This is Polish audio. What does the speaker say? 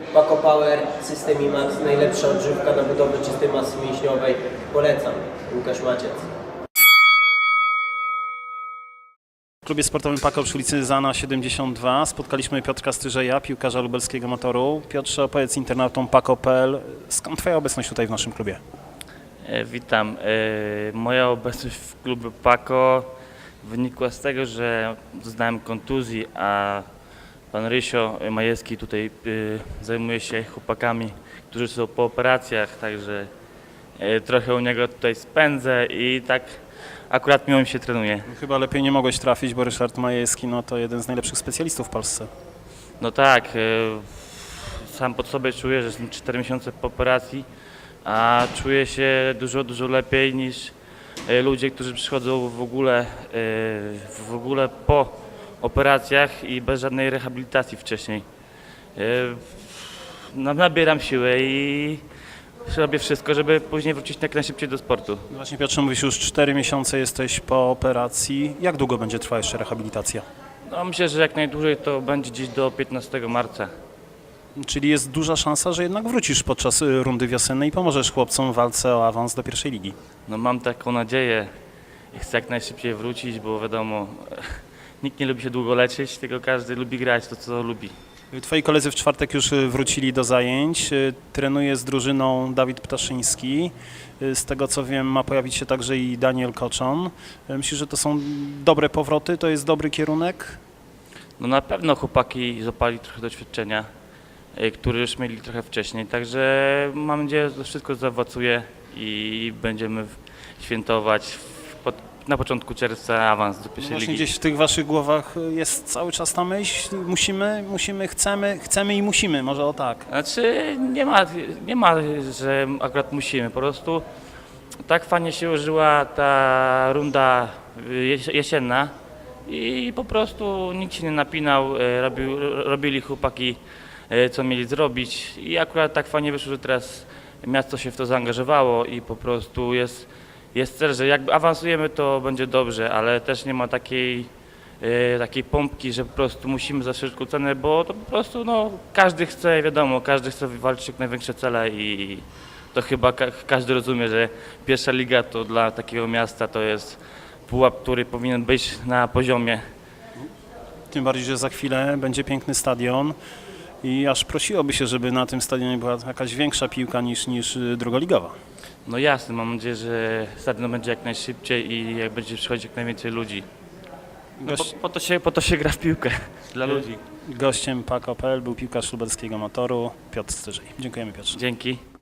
Paco Power, System IMAX, najlepsza odżywka na budowę czystej masy mięśniowej. Polecam. Łukasz Maciec. W klubie sportowym Paco przy ulicy Zana 72 spotkaliśmy Piotra Styrzeja, piłkarza lubelskiego Motoru. Piotrze, opowiedz internautom Paco.pl, skąd Twoja obecność tutaj w naszym klubie? Witam. Moja obecność w klubie Paco wynikła z tego, że doznałem kontuzji, a pan Rysio Majewski tutaj zajmuje się chłopakami, którzy są po operacjach, także trochę u niego tutaj spędzę i tak akurat miło mi się trenuje. Chyba lepiej nie mogłeś trafić, bo Ryszard Majewski to jeden z najlepszych specjalistów w Polsce. No tak, sam pod sobie czuję, że jestem 4 miesiące po operacji, a czuję się dużo lepiej niż ludzie, którzy przychodzą w ogóle po operacjach i bez żadnej rehabilitacji wcześniej. Nabieram siłę i robię wszystko, żeby później wrócić jak najszybciej do sportu. No właśnie Piotrze, mówisz, już 4 miesiące jesteś po operacji. Jak długo będzie trwała jeszcze rehabilitacja? No, myślę, że jak najdłużej to będzie gdzieś do 15 marca. Czyli jest duża szansa, że jednak wrócisz podczas rundy wiosennej i pomożesz chłopcom w walce o awans do pierwszej ligi. No, mam taką nadzieję i chcę jak najszybciej wrócić, bo wiadomo, nikt nie lubi się długo leczyć, tylko każdy lubi grać to, co lubi. Twoi koledzy w czwartek już wrócili do zajęć. Trenuje z drużyną Dawid Ptaszyński. Z tego co wiem, ma pojawić się także i Daniel Koczon. Myślisz, że to są dobre powroty? To jest dobry kierunek? No na pewno chłopaki złapali trochę doświadczenia, które już mieli trochę wcześniej, także mam nadzieję, że to wszystko zaowocuje i będziemy świętować na początku czerwca awans do pierwszej Właśnie ligi. gdzieś w tych waszych głowach jest cały czas ta myśl, musimy, chcemy i musimy, może o tak. Znaczy nie ma, że akurat musimy, po prostu tak fajnie się użyła ta runda jesienna i po prostu nikt się nie napinał, robili chłopaki co mieli zrobić i akurat tak fajnie wyszło, że teraz miasto się w to zaangażowało i po prostu jest cel, że jak awansujemy, to będzie dobrze, ale też nie ma takiej pompki, że po prostu musimy za wszelką cenę, bo to po prostu każdy chce, wiadomo, każdy chce wywalczyć jak największe cele i to chyba każdy rozumie, że pierwsza liga to dla takiego miasta to jest pułap, który powinien być na poziomie. Tym bardziej, że za chwilę będzie piękny stadion i aż prosiłoby się, żeby na tym stadionie była jakaś większa piłka niż drugoligowa. No jasne, mam nadzieję, że stadion będzie jak najszybciej i jak będzie przychodzić jak najwięcej ludzi. No, po to się gra w piłkę dla ludzi. Gościem Paco.pl był piłkarz lubelskiego Motoru Piotr Styrzej. Dziękujemy, Piotrze. Dzięki.